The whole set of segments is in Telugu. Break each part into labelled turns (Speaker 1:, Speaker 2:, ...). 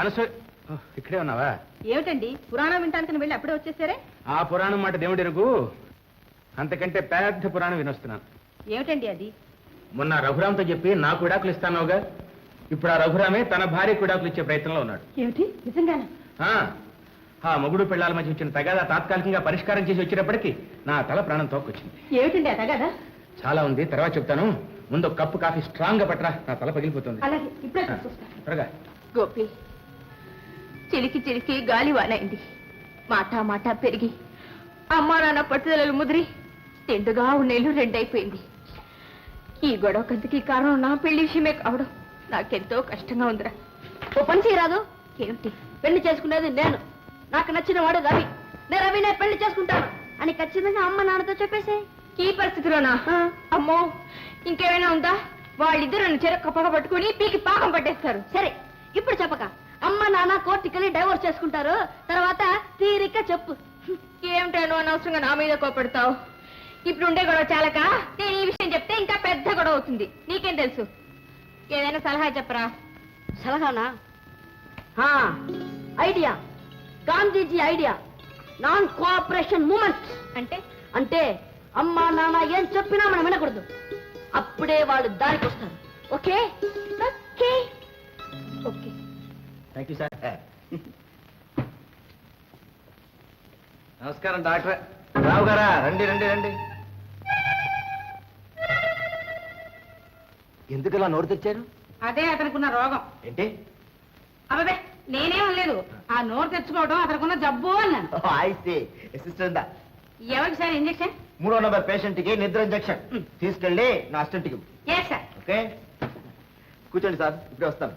Speaker 1: ఇక్కడే ఉన్నావా?
Speaker 2: ఏమిటండి పురాణం వింటానికి వెళ్ళి అప్పుడే వచ్చేసారే?
Speaker 1: ఆ పురాణం మాట దేవుడి ఎరుగు, అంతకంటే పెద్ద పురాణం వినొస్తున్నాను.
Speaker 2: ఏమిటండి అది?
Speaker 1: మొన్న రఘురామ్తో చెప్పి నాకు విడాకులు ఇస్తానోగా, ఇప్పుడు ఆ రఘురామే తన భార్యకు విడాకులు ఇచ్చే ప్రయత్నంలో ఉన్నాడు.
Speaker 2: ఏమిటి నిజంగానా?
Speaker 1: ఆ మొగుడు పిల్లల మధ్య వచ్చిన తగాదా తాత్కాలికంగా పరిష్కారం చేసి వచ్చేటప్పటికి నా తల ప్రాణం తోక్కొచ్చింది.
Speaker 2: ఏమిటండి ఆ తగాదా?
Speaker 1: చాలా ఉంది, తర్వాత చెప్తాను. ముందు కప్పు కాఫీ స్ట్రాంగ్ గా పట్టరా, నా తల పగిలిపోతుంది.
Speaker 2: అలాగే ఇప్పుడే
Speaker 1: త్వరగా.
Speaker 2: గోపి, చిలికి చిలికి గాలి వానైంది, మాట మాట పెరిగి అమ్మా నాన్న పట్టుదలలు ముదిరి తిండుగా ఉన్నేళ్ళు రెండైపోయింది. ఈ గొడవ కంతకి కారణం నా పెళ్లి విషయమే కావడం నాకెంతో కష్టంగా ఉందిరా. ఓ పని చేయరాదు? ఏమిటి? పెళ్లి చేసుకునేది నేను, నాకు నచ్చిన వాడు రవి, నేను రవినే పెళ్లి చేసుకుంటాను అని ఖచ్చితంగా అమ్మ నాన్నతో చెప్పేసే. ఈ పరిస్థితిలోనా? అమ్మో, ఇంకేమైనా ఉందా? వాళ్ళిద్దరు నన్ను చెరక్క పగ పట్టుకుని పీకి పాకం పట్టేస్తారు. సరే, ఇప్పుడు చెప్పక అమ్మ నాన్న కోర్టుకెళ్ళి డైవోర్స్ చేసుకుంటారు, తర్వాత తీరిక చెప్పు. ఏమిటాను అనవసరంగా నా మీద కోపడతావు? ఇప్పుడు ఉండే గొడవ చాలక నేను ఈ విషయం చెప్తే ఇంకా పెద్ద గొడవ అవుతుంది. నీకేం తెలుసు? ఏదైనా సలహా చెప్పరా.
Speaker 3: సలహానా? Idea, Gandhiji idea, non cooperation movement.
Speaker 2: అంటే
Speaker 3: అంటే అమ్మా నాన్న ఏం చెప్పినా మనం వినకూడదు, అప్పుడే వాళ్ళు దారికి వస్తారు. Okay okay
Speaker 2: okay.
Speaker 1: Thank you sir. నమస్కారం డాక్టర్. రావు గారా, రండి రండి రండి. ఎందుకలా నోరు తెచ్చారు?
Speaker 2: అదే అతనుకున్న రోగం.
Speaker 1: ఏంటి?
Speaker 2: అబ్బే నేనేం లేదు, ఆ నోరు తెచ్చుకోవడం అతనుకున్న జబ్బు అన్నాను.
Speaker 1: అసిస్టెంట్
Speaker 2: ఎవరికి సార్ ఇంజక్షన్?
Speaker 1: 3వ నంబర్ పేషెంట్ కి నిద్ర ఇంజక్షన్ తీసుకెళ్ళి నా అసిస్టెంట్ కి.
Speaker 2: Yes sir.
Speaker 1: ఓకే, కూర్చోండి సార్, ఇప్పుడే వస్తాను.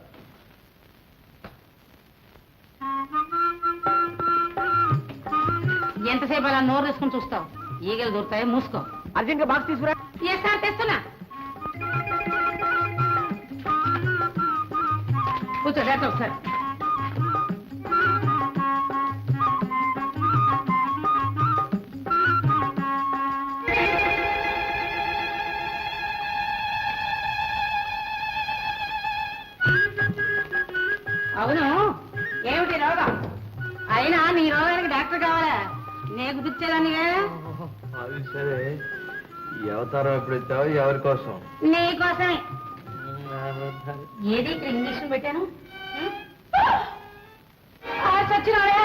Speaker 2: ఎంతసేపు అలా నోరు తీసుకుని చూస్తావు? ఈగలు దొరుకుతాయి, మూసుకో.
Speaker 1: అర్జెంట్ గా బాక్స్ తీసుకురా.
Speaker 2: ఎస్ సార్, తెస్తున్నా. కూర్చో డాక్టర్ సార్. అవును, ఏమిటి రోగం? అయినా నీ రోగానికి డాక్టర్ కావాలా? నేను గుర్తించేదానిగా.
Speaker 4: అది సరే, ఈ అవతారం ఎప్పుడు ఇచ్చావు? ఎవరి కోసం?
Speaker 2: నీకోసమే. ఏది ఇక్కడ ఇంజక్షన్ పెట్టాను? చచ్చినాయా?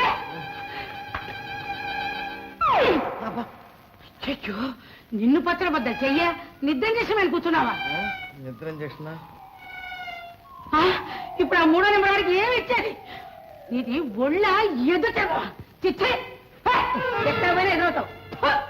Speaker 2: నిన్ను పచ్చడబద్దా చెయ్య, నిద్ర ఇంజక్షన్ అని కూర్చున్నావా?
Speaker 4: నిద్ర ఇంజక్షన్?
Speaker 2: ఇప్పుడు ఆ 3వ నెంబర్ వాడికి ఏమి ఇచ్చేది? నీది ఒళ్ళ ఎదుట చిచ్చే ఎక్కడ ఎదురవుతావు.